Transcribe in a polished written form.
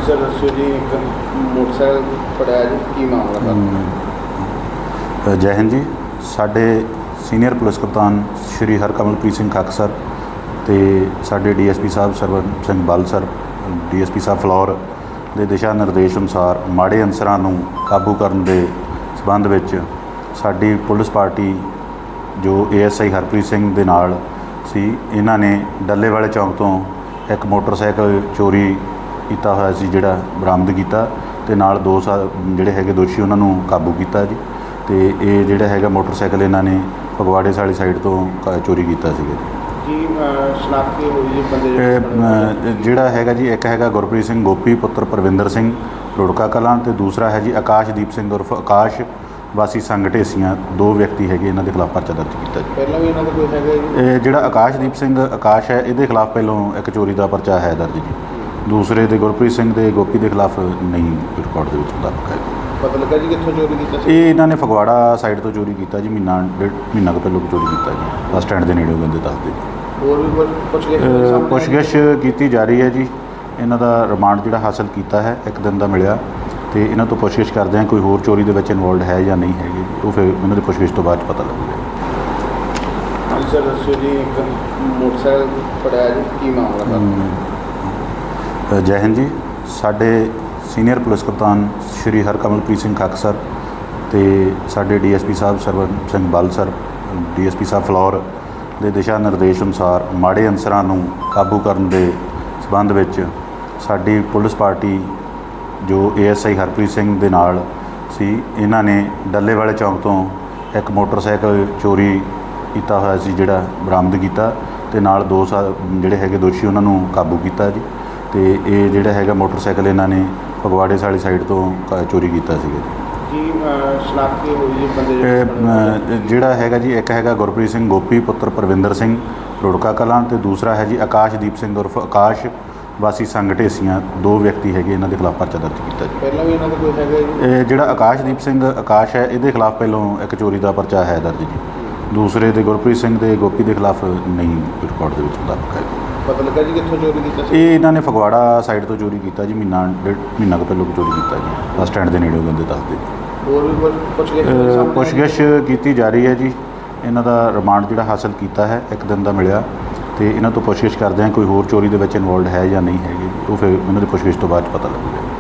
ਹਾਂਜੀ ਸਰ ਦੱਸਿਓ ਜੀ, ਇੱਕ ਮੋਟਰਸਾਈਕਲ ਫੜਿਆ ਜੀ, ਕੀ ਮਾਮਲਾ ਸਰ? ਜੈ ਹਿੰਦ ਜੀ। ਸਾਡੇ ਸੀਨੀਅਰ ਪੁਲਿਸ ਕਪਤਾਨ ਸ਼੍ਰੀ ਹਰਕਮਲਪ੍ਰੀਤ ਸਿੰਘ ਖੱਕ ਸਰ ਅਤੇ ਸਾਡੇ ਡੀਐਸਪੀ ਸਾਹਿਬ ਸਰਵਨ ਸਿੰਘ ਬਲ ਸਰ, ਡੀਐਸਪੀ ਸਾਹਿਬ ਫਲੋਰ ਦੇ ਦਿਸ਼ਾ ਨਿਰਦੇਸ਼ ਅਨੁਸਾਰ ਮਾੜੇ ਅਨਸਰਾਂ ਨੂੰ ਕਾਬੂ ਕਰਨ ਦੇ ਸਬੰਧ ਵਿੱਚ ਸਾਡੀ ਪੁਲਿਸ ਪਾਰਟੀ ਜੋ ਏਐਸਆਈ ਹਰਪ੍ਰੀਤ ਸਿੰਘ ਦੇ ਨਾਲ ਸੀ, ਇਹਨਾਂ ਨੇ ਡੱਲੇ ਵਾਲੇ ਚੌਂਕ ਤੋਂ ਇੱਕ ਮੋਟਰਸਾਈਕਲ ਚੋਰੀ ਕੀਤਾ ਹੋਇਆ ਸੀ, ਜਿਹੜਾ ਬਰਾਮਦ ਕੀਤਾ ਅਤੇ ਨਾਲ ਦੋ ਜਿਹੜੇ ਹੈਗੇ ਦੋਸ਼ੀ ਉਹਨਾਂ ਨੂੰ ਕਾਬੂ ਕੀਤਾ ਜੀ। ਅਤੇ ਇਹ ਜਿਹੜਾ ਹੈਗਾ ਮੋਟਰਸਾਈਕਲ ਇਹਨਾਂ ਨੇ ਫਗਵਾੜੇ ਵਾਲੀ ਸਾਈਡ ਤੋਂ ਚੋਰੀ ਕੀਤਾ ਸੀਗਾ ਜੀ। ਸ਼ਨਾਖਤ ਹੋਈ ਜੀ ਬੰਦੇ ਜਿਹੜਾ ਹੈਗਾ ਜੀ, ਇੱਕ ਹੈਗਾ ਗੁਰਪ੍ਰੀਤ ਸਿੰਘ ਗੋਪੀ ਪੁੱਤਰ ਪਰਵਿੰਦਰ ਸਿੰਘ ਰੁੜਕਾ ਕਲਾਂ, ਅਤੇ ਦੂਸਰਾ ਹੈ ਜੀ ਆਕਾਸ਼ਦੀਪ ਸਿੰਘ ਉਰਫ ਆਕਾਸ਼ ਵਾਸੀ ਸੰਘ ਢੇਸੀਆਂ। ਦੋ ਵਿਅਕਤੀ ਹੈਗੇ, ਇਹਨਾਂ ਦੇ ਖਿਲਾਫ ਪਰਚਾ ਦਰਜ ਕੀਤਾ ਜੀ। ਪਹਿਲਾਂ ਵੀ ਇਹਨਾਂ ਦਾ ਕੋਈ ਹੈਗਾ ਜੀ? ਇਹ ਜਿਹੜਾ ਆਕਾਸ਼ਦੀਪ ਸਿੰਘ ਆਕਾਸ਼ ਹੈ, ਇਹਦੇ ਖਿਲਾਫ ਪਹਿਲੋਂ ਇੱਕ ਚੋਰੀ ਦਾ ਪਰਚਾ ਹੈ ਦਰਜ ਜੀ। ਦੂਸਰੇ ਦੇ ਗੁਰਪ੍ਰੀਤ ਸਿੰਘ ਦੇ ਗੋਪੀ ਦੇ ਖਿਲਾਫ ਨਹੀਂ ਰਿਕਾਰਡ ਦੇ ਵਿੱਚ ਮੁਤਾਬਕ ਹੈ। ਪਤਾ ਲੱਗਾ ਜੀ ਕਿੱਥੋਂ ਚੋਰੀ ਕੀਤਾ ਸੀ? ਇਹ ਇਹਨਾਂ ਨੇ ਫਗਵਾੜਾ ਸਾਈਡ ਤੋਂ ਚੋਰੀ ਕੀਤਾ ਜੀ, ਮਹੀਨਾ ਕੁ ਪਹਿਲਾਂ ਚੋਰੀ ਕੀਤਾ ਜੀ, ਬੱਸ ਸਟੈਂਡ ਦੇ ਨੇੜੇ ਬੰਦੇ ਦੱਸਦੇ। ਹੋਰ ਵੀ ਪੁੱਛਗਿੱਛ ਕੀਤੀ ਜਾ ਰਹੀ ਹੈ ਜੀ। ਇਹਨਾਂ ਦਾ ਰਿਮਾਂਡ ਜਿਹੜਾ ਹਾਸਲ ਕੀਤਾ ਹੈ, ਇੱਕ ਦਿਨ ਦਾ ਮਿਲਿਆ, ਅਤੇ ਇਹਨਾਂ ਤੋਂ ਪੁੱਛਗਿੱਛ ਕਰਦੇ ਹਾਂ ਕੋਈ ਹੋਰ ਚੋਰੀ ਦੇ ਵਿੱਚ ਇਨਵੋਲਡ ਹੈ ਜਾਂ ਨਹੀਂ ਹੈਗੀ, ਉਹ ਫਿਰ ਇਹਨਾਂ ਦੀ ਪੁੱਛਗਿੱਛ ਤੋਂ ਬਾਅਦ 'ਚ ਪਤਾ ਲੱਗੇਗਾ। ਹਾਂਜੀ ਸਰ ਦੱਸਿਓ ਜੀ, ਇੱਕ ਮੋਟਰਸਾਈਕਲ ਫੜਿਆ ਜੀ, ਕੀ ਮਾਮਲਾ ਸਰ? ਜੈ ਹਿੰਦ ਜੀ। ਸਾਡੇ ਸੀਨੀਅਰ ਪੁਲਿਸ ਕਪਤਾਨ ਸ਼੍ਰੀ ਹਰਕਮਲਪ੍ਰੀਤ ਸਿੰਘ ਖੱਕ ਸਰ ਅਤੇ ਸਾਡੇ ਡੀਐਸਪੀ ਸਾਹਿਬ ਸਰਵਨ ਸਿੰਘ ਬਲ ਸਰ, ਡੀਐਸਪੀ ਸਾਹਿਬ ਫਲੋਰ ਦੇ ਦਿਸ਼ਾ ਨਿਰਦੇਸ਼ ਅਨੁਸਾਰ ਮਾੜੇ ਅਨਸਰਾਂ ਨੂੰ ਕਾਬੂ ਕਰਨ ਦੇ ਸਬੰਧ ਵਿੱਚ ਸਾਡੀ ਪੁਲਿਸ ਪਾਰਟੀ ਜੋ ਏਐਸਆਈ ਹਰਪ੍ਰੀਤ ਸਿੰਘ ਦੇ ਨਾਲ ਸੀ, ਇਹਨਾਂ ਨੇ ਡੱਲੇ ਵਾਲੇ ਚੌਂਕ ਤੋਂ ਇੱਕ ਮੋਟਰਸਾਈਕਲ ਚੋਰੀ ਕੀਤਾ ਹੋਇਆ ਸੀ, ਜਿਹੜਾ ਬਰਾਮਦ ਕੀਤਾ, ਅਤੇ ਨਾਲ ਦੋ ਜਿਹੜੇ ਹੈਗੇ ਦੋਸ਼ੀ ਉਹਨਾਂ ਨੂੰ ਕਾਬੂ ਕੀਤਾ ਜੀ। ਅਤੇ ਇਹ ਜਿਹੜਾ ਹੈਗਾ ਮੋਟਰਸਾਈਕਲ ਇਹਨਾਂ ਨੇ ਫਗਵਾੜੇ ਵਾਲੀ ਸਾਈਡ ਤੋਂ ਚੋਰੀ ਕੀਤਾ ਸੀਗਾ ਜੀ। ਸ਼ਨਾਖਤ ਹੋਈ ਜੀ ਬੰਦੇ ਜਿਹੜਾ ਹੈਗਾ ਜੀ, ਇੱਕ ਹੈਗਾ ਗੁਰਪ੍ਰੀਤ ਸਿੰਘ ਗੋਪੀ ਪੁੱਤਰ ਪਰਵਿੰਦਰ ਸਿੰਘ ਰੁੜਕਾ ਕਲਾਂ, ਅਤੇ ਦੂਸਰਾ ਹੈ ਜੀ ਆਕਾਸ਼ਦੀਪ ਸਿੰਘ ਉਰਫ ਆਕਾਸ਼ ਵਾਸੀ ਸੰਘ ਢੇਸੀਆਂ। ਦੋ ਵਿਅਕਤੀ ਹੈਗੇ, ਇਹਨਾਂ ਦੇ ਖਿਲਾਫ ਪਰਚਾ ਦਰਜ ਕੀਤਾ ਜੀ। ਪਹਿਲਾਂ ਵੀ ਇਹਨਾਂ ਦਾ ਕੋਈ ਹੈਗਾ ਜੀ? ਇਹ ਜਿਹੜਾ ਆਕਾਸ਼ਦੀਪ ਸਿੰਘ ਆਕਾਸ਼ ਹੈ, ਇਹਦੇ ਖਿਲਾਫ ਪਹਿਲੋਂ ਇੱਕ ਚੋਰੀ ਦਾ ਪਰਚਾ ਹੈ ਦਰਜ ਜੀ। ਦੂਸਰੇ ਦੇ ਗੁਰਪ੍ਰੀਤ ਸਿੰਘ ਦੇ ਗੋਪੀ ਦੇ ਖਿਲਾਫ ਨਹੀਂ ਰਿਕਾਰਡ ਦੇ ਵਿੱਚ ਮੁਤਾਬਕ ਹੈ। ਪਤਾ ਲੱਗਾ ਜੀ ਕਿੱਥੋਂ ਚੋਰੀ ਕੀਤਾ ਸੀ? ਇਹ ਇਹਨਾਂ ਨੇ ਫਗਵਾੜਾ ਸਾਈਡ ਤੋਂ ਚੋਰੀ ਕੀਤਾ ਜੀ, ਮਹੀਨਾ ਕੁ ਪਹਿਲਾਂ ਚੋਰੀ ਕੀਤਾ ਜੀ, ਬੱਸ ਸਟੈਂਡ ਦੇ ਨੇੜੇ ਬੰਦੇ ਦੱਸਦੇ। ਹੋਰ ਵੀ ਪੁੱਛਗਿੱਛ ਕੀਤੀ ਜਾ ਰਹੀ ਹੈ ਜੀ। ਇਹਨਾਂ ਦਾ ਰਿਮਾਂਡ ਜਿਹੜਾ ਹਾਸਲ ਕੀਤਾ ਹੈ, ਇੱਕ ਦਿਨ ਦਾ ਮਿਲਿਆ, ਅਤੇ ਇਹਨਾਂ ਤੋਂ ਪੁੱਛਗਿੱਛ ਕਰਦੇ ਹਾਂ ਕੋਈ ਹੋਰ ਚੋਰੀ ਦੇ ਵਿੱਚ ਇਨਵੋਲਡ ਹੈ ਜਾਂ ਨਹੀਂ ਹੈਗੀ, ਉਹ ਫਿਰ ਇਹਨਾਂ ਦੀ ਪੁੱਛਗਿੱਛ ਤੋਂ ਬਾਅਦ 'ਚ ਪਤਾ ਲੱਗੇਗਾ।